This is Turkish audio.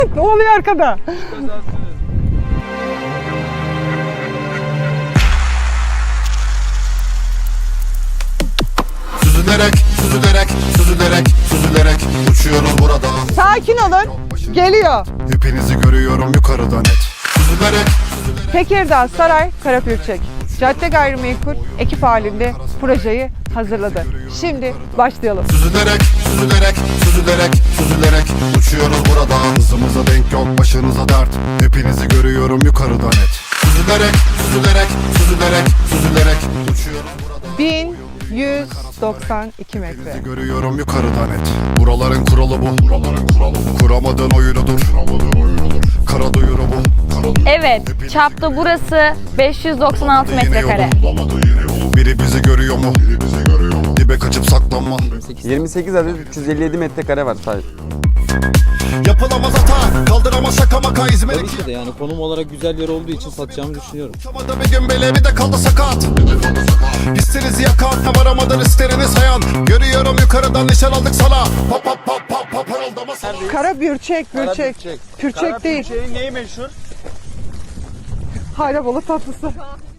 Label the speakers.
Speaker 1: Ne oluyor arkada?
Speaker 2: Süzülerek, süzülerek, süzülerek, süzülerek uçuyorum burada.
Speaker 1: Sakin olun. Geliyor.
Speaker 2: Hepinizi görüyorum yukarıdan net. Süzülerek,
Speaker 1: Tekirdağ Saray Karapürçek Cadde Gayrimenkul ekip halinde projeyi hazırladı. Şimdi başlayalım.
Speaker 2: süzülerek, süzülerek, süzülerek, süzülerek uçuyorum burada. Hızımıza denk yok, başınıza dert. Hepinizi görüyorum yukarıdan net. Süzülerek, süzülerek, süzülerek, süzülerek uçuyorum burada.
Speaker 1: 1192 metre.
Speaker 2: Görüyorum yukarıdan net. Buraların kuralı bu. Kuramadığın oyunudur. Kara duyuru bu.
Speaker 3: Evet, çapta burası 596 metrekare.
Speaker 2: Biri bizi görüyor mu? Dibe kaçıp saklanma.
Speaker 4: 28 adet 357 metrekare var sadece.
Speaker 2: Yapılamaz hata, kaldıramaz şaka maka İzmir'e.
Speaker 5: Tabii ki de yani konum olarak güzel yer olduğu için satacağımı düşünüyorum.
Speaker 2: Uçamadı bir gün bile bir de kaldı sakat. Hissinizi yakan, varamadan isterini sayan. Görüyorum yukarıdan nişan aldık sana. Pap pap pap pap pap parıldama sana.
Speaker 1: Karabürçek, Pürçek değil.
Speaker 6: Şeyin neyi meşhur?
Speaker 1: Hayrabolu tatlısı.